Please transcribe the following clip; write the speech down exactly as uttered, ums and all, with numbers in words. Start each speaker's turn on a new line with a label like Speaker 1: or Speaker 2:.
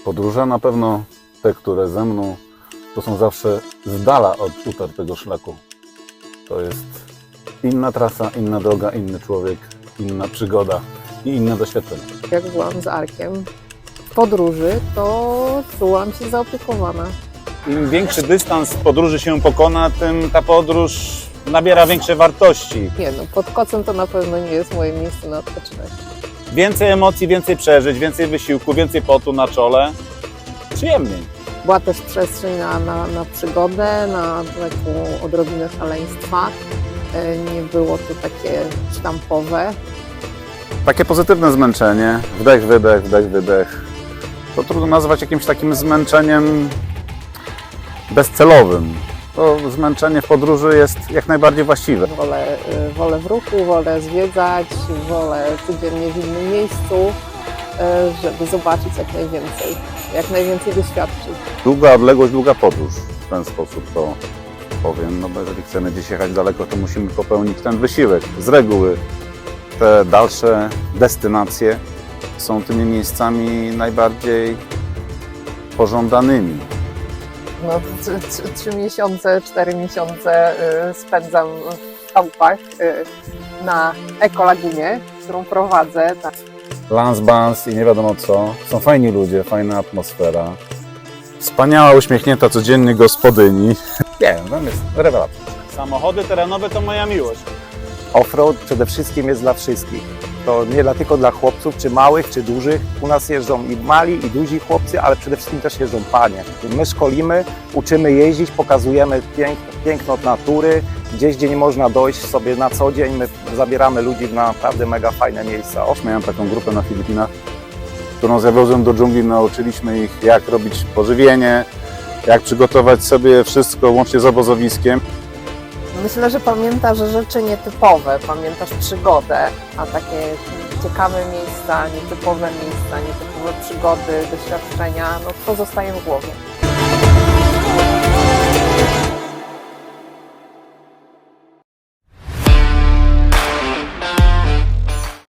Speaker 1: Podróże na pewno te, które ze mną, to są zawsze z dala od utartego szlaku. To jest inna trasa, inna droga, inny człowiek, inna przygoda i inne doświadczenie.
Speaker 2: Jak byłam z Arkiem w podróży, to czułam się zaopiekowana.
Speaker 3: Im większy dystans podróży się pokona, tym ta podróż nabiera większej wartości.
Speaker 2: Nie no, pod kocem to na pewno nie jest moje miejsce na odpoczynek.
Speaker 3: Więcej emocji, więcej przeżyć, więcej wysiłku, więcej potu na czole. Przyjemniej.
Speaker 2: Była też przestrzeń na, na, na przygodę, na taką odrobinę szaleństwa. E, Nie było to takie sztampowe.
Speaker 1: Takie pozytywne zmęczenie, wdech, wydech, wdech, wydech. To trudno nazwać jakimś takim zmęczeniem bezcelowym. To zmęczenie w podróży jest jak najbardziej właściwe.
Speaker 2: Wolę, y, wolę w ruchu, wolę zwiedzać, wolę codziennie w innym miejscu, y, żeby zobaczyć jak najwięcej, jak najwięcej doświadczyć.
Speaker 1: Długa odległość, długa podróż. W ten sposób to powiem, no bo jeżeli chcemy gdzieś jechać daleko, to musimy popełnić ten wysiłek. Z reguły te dalsze destynacje są tymi miejscami najbardziej pożądanymi.
Speaker 2: No, trzy, trzy, trzy miesiące, cztery miesiące y, spędzam w chałupach y, na Ekolagunie, którą prowadzę. Tak.
Speaker 1: Lans, bans i nie wiadomo co. Są fajni ludzie, fajna atmosfera. Wspaniała, uśmiechnięta codziennie gospodyni. Nie wiem, tam jest rewelacja.
Speaker 3: Samochody terenowe to moja miłość.
Speaker 4: Offroad przede wszystkim jest dla wszystkich. To nie dla, tylko dla chłopców, czy małych, czy dużych. U nas jeżdżą i mali, i duzi chłopcy, ale przede wszystkim też jeżdżą panie. My szkolimy, uczymy jeździć, pokazujemy pięk, piękno natury. Gdzieś, gdzie nie można dojść sobie na co dzień, my zabieramy ludzi w naprawdę mega fajne miejsca.
Speaker 1: Miałem taką grupę na Filipinach, którą zawiozłem do dżungli. Nauczyliśmy ich, jak robić pożywienie, jak przygotować sobie wszystko łącznie z obozowiskiem.
Speaker 2: Myślę, że pamiętasz rzeczy nietypowe, pamiętasz przygodę, a takie ciekawe miejsca, nietypowe miejsca, nietypowe przygody, doświadczenia, no to zostaje w głowie.